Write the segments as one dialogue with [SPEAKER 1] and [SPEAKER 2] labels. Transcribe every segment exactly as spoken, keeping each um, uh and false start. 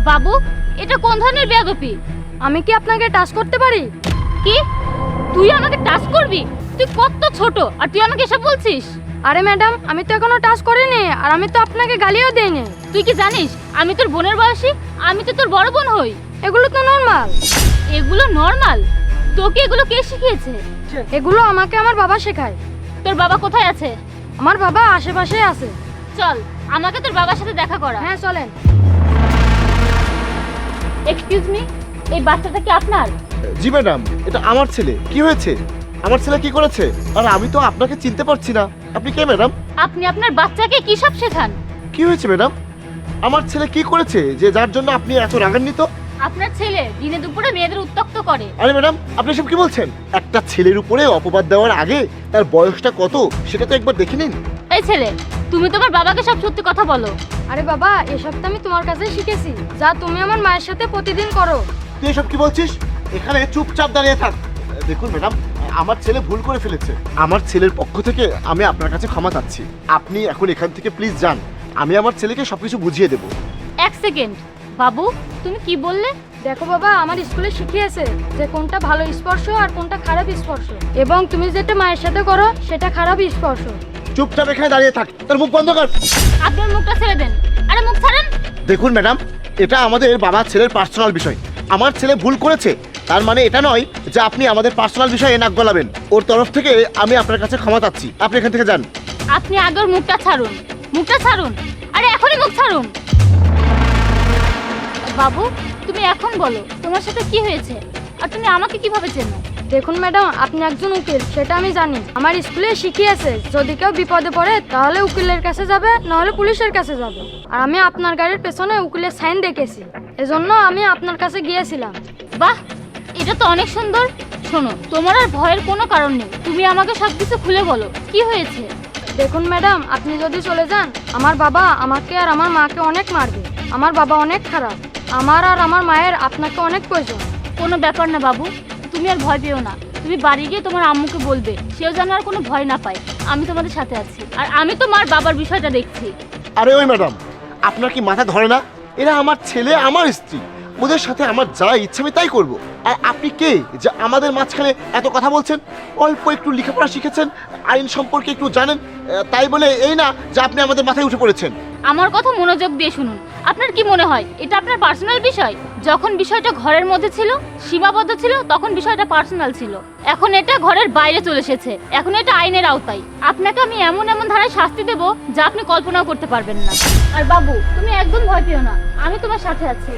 [SPEAKER 1] বাবু, এটা কোন ধরনের বেয়াদবি?
[SPEAKER 2] আমি কি আপনাকে টাচ করতে পারি?
[SPEAKER 1] কি? তুই আমাকে টাচ করবি? তুই কত ছোট আর তুই আমাকে এসব বলছিস?
[SPEAKER 2] আরে ম্যাডাম, আমি তো এখনো টাচ করিনি, আর আমি তো আপনাকে গালিও দেইনি।
[SPEAKER 1] তুই কি জানিস আমি তোর বোনের বয়সী? আমি তো তোর বড় বোন হই।
[SPEAKER 2] এগুলো তো নর্মাল।
[SPEAKER 1] এগুলো নর্মাল? তোকে এগুলো কে শিখিয়েছে?
[SPEAKER 2] এগুলো আমাকে আমার বাবা শেখায়।
[SPEAKER 1] তোর বাবা কোথায় আছে?
[SPEAKER 2] আমার বাবা আশেপাশে আছে।
[SPEAKER 1] চল, আমাকে তোর বাবার সাথে দেখা করা।
[SPEAKER 2] হ্যাঁ চলেন।
[SPEAKER 1] এক্সকিউজ মি, এই বাচ্চাটা কি আপনার?
[SPEAKER 3] জি ম্যাডাম, এটা আমার ছেলে। কি হয়েছে? আমার ছেলে কি করেছে? আর আমি তো আপনাকে চিনতে পারছি না। আপনি কে ম্যাডাম?
[SPEAKER 1] আপনি আপনার বাচ্চাকে কি সব শেখান?
[SPEAKER 3] কি হয়েছে ম্যাডাম? আমার ছেলে কি করেছে যে যার জন্য আপনি এত রাগান্বিত?
[SPEAKER 1] আপনার ছেলে দিনে দুপুরে মেয়েদের উত্ত্যক্ত করে।
[SPEAKER 3] আরে ম্যাডাম, আপনি সব কি বলছেন? একটা ছেলের উপরে অপবাদ দেওয়ার আগে তার বয়সটা কত সেটা তো একবার দেখে নিন।
[SPEAKER 1] এই ছেলে, তুমি তোমার বাবাকে সব সত্যি কথা বলো।
[SPEAKER 2] আরে বাবা, এসব তো আমি তোমার কাছে শিখেছি, যা তুমি আমার মায়ের সাথে প্রতিদিন করো।
[SPEAKER 3] তুই এসব কি বলছিস? এখানে চুপচাপ দাঁড়িয়ে থাক। দেখুন ম্যাডাম, আমার ছেলে ভুল করে ফেলেছে। আমার ছেলের পক্ষ থেকে আমি আপনার কাছে ক্ষমা চাচ্ছি। আপনি এখন এখান থেকে প্লিজ যান। আমি আমার ছেলেকে সবকিছু বুঝিয়ে দেবো।
[SPEAKER 1] এক সেকেন্ড বাবু, তুমি কি বললে?
[SPEAKER 2] দেখো বাবা, আমার স্কুলে শিখিয়েছে যে কোনটা ভালো স্পর্শ আর কোনটা খারাপ স্পর্শ, এবং তুমি যেটা মায়ের সাথে করো সেটা খারাপ স্পর্শ।
[SPEAKER 3] চুপচাপ এখানে দাঁড়িয়ে থাক। তোর মুখ বন্ধ কর।
[SPEAKER 1] আপনার মুখটা ছেড়ে দেন। আরে মুখ ছাড়েন।
[SPEAKER 3] দেখুন ম্যাডাম, এটা আমাদের বাবা ছেলের পার্সোনাল বিষয়। আমার ছেলে ভুল করেছে, তার মানে এটা নয় যে আপনি আমাদের পার্সোনাল বিষয়ে নাক গলাবেন। ওর তরফ থেকে আমি আপনার কাছে ক্ষমা চাচ্ছি। আপনি এখান থেকে যান।
[SPEAKER 1] আপনি আগে ওর মুখটা ছাড়ুন। মুখটা ছাড়ুন। আরে এখনই মুখ ছাড়ুন। বাবু, তুমি এখন বলো তোমার সাথে কি হয়েছে, আর তুমি আমাকে কিভাবে চেনো?
[SPEAKER 2] দেখুন ম্যাডাম, আপনি একজন উকিল সেটা আমি জানি। আমার স্কুলে শিখিয়েছে যদি কেউ বিপদে পড়ে তাহলে উকিলের কাছে যাবে, নাহলে পুলিশের কাছে যাবে। আর আমি আপনার গাড়ির পেছনে উকিলের সাইন দেখেছি, এজন্য আমি আপনার কাছে গিয়েছিলাম।
[SPEAKER 1] বাহ, এটা তো অনেক সুন্দর। শোনো, তোমার আর ভয়ের কোনো কারণ নেই। তুমি আমাকে সবকিছু খুলে বলো, কি হয়েছে?
[SPEAKER 2] দেখুন ম্যাডাম, আপনি যদি চলে যান আমার বাবা আমাকে আর আমার মাকে অনেক মারবে। আমার বাবা অনেক খারাপ। আমার আর আমার মায়ের আপনাকে অনেক প্রয়োজন।
[SPEAKER 1] কোনো ব্যাপার না বাবু, তুমি আর ভয় পেও না। তুমি বাড়ি গিয়ে তোমার আম্মুকে বলবে, সেও যেন আর কোনো ভয় না পায়। আমি তোমাদের সাথে আছি, আর আমি তোমার বাবার বিষয়টা দেখছি।
[SPEAKER 3] আরে ওই ম্যাডাম, আপনার কি মাথা ধরে না? এরা আমার ছেলে, আমার স্ত্রী। ওদের সাথে আমার যা ইচ্ছা আমি তাই করব। আর আপনি কে যে আমাদের মাঝখানে এত কথা বলছেন? অল্প একটু লেখাপড়া শিখেছেন, আইন সম্পর্কে একটু জানেন, আহ, তাই বলে এই না যে আপনি আমাদের মাথায় উঠে পড়েছেন।
[SPEAKER 1] আমার কথা মনোযোগ দিয়ে শুনুন। আপনার কি মনে হয় এটা আপনার পার্সোনাল বিষয়? যখন বিষয়টা ঘরের মধ্যে ছিল, সীমাবদ্ধ ছিল, তখন বিষয়টা পার্সোনাল ছিল। এখন এটা ঘরের বাইরে চলে এসেছে, এখন এটা আইনের আওতায়। আপনাকে আমি এমন এমন ধারায় শাস্তি দেব যা আপনি কল্পনাও করতে পারবেন না। আর বাবু, তুমি একদম ভয় পেও না, আমি তোমার সাথে আছি।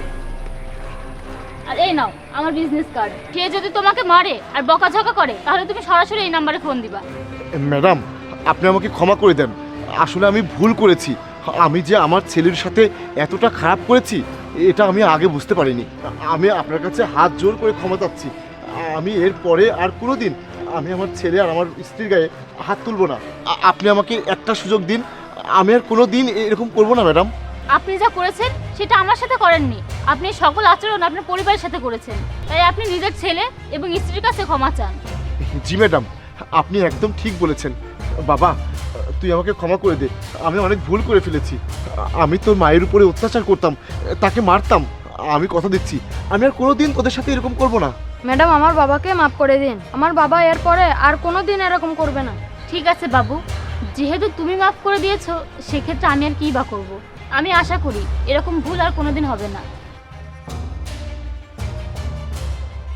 [SPEAKER 1] আর এই নাও আমার বিজনেস কার্ড। কে যদি তোমাকে মারে আর বকাঝকা করে তাহলে তুমি সরাসরি এই নাম্বারে ফোন দিবা।
[SPEAKER 3] ম্যাডাম, আপনি আমাকে ক্ষমা করে দেন। আসলে আমি ভুল করেছি। আমি যে আমার ছেলের সাথে এতটা খারাপ করেছি এটা আমি আগে বুঝতে পারিনি। আমি আপনার কাছে হাত জোর করে ক্ষমা চাচ্ছি। আমি এর পরে আর কোনো দিন আমি আমার ছেলে আর আমার স্ত্রীর গায়ে হাত তুলব না। আ- আপনি আমাকে একটা সুযোগ দিন। আমি আর কোনো দিন এরকম করব না ম্যাডাম।
[SPEAKER 1] আপনি যা করেছেন সেটা আমার সাথে করেননি। আপনি সকল আচরণ আপনার পরিবারের সাথে করেছেন, তাই আপনি নিজের ছেলে এবং স্ত্রীর কাছে ক্ষমা চান।
[SPEAKER 3] জি ম্যাডাম, আপনি একদম ঠিক বলেছেন। বাবা, তুই আমাকে ক্ষমা করে দে। আমি অনেক ভুল করে ফেলেছি। আমি তোর মায়ের উপরে অত্যাচার করতাম, তাকে মারতাম। আমি কথা দিচ্ছি আমি আর কোনো দিন তোদের সাথে এরকম করব না।
[SPEAKER 2] ম্যাডাম, আমার বাবাকে মাফ করে দিন। আমার বাবা এরপরে আর কোনো দিন এরকম করবে না।
[SPEAKER 1] ঠিক আছে বাবু, যেহেতু তুমি মাফ করে দিয়েছো সেক্ষেত্রে আমি আর কী বা করবো। আমি আশা করি এরকম ভুল আর কোনোদিন হবে না।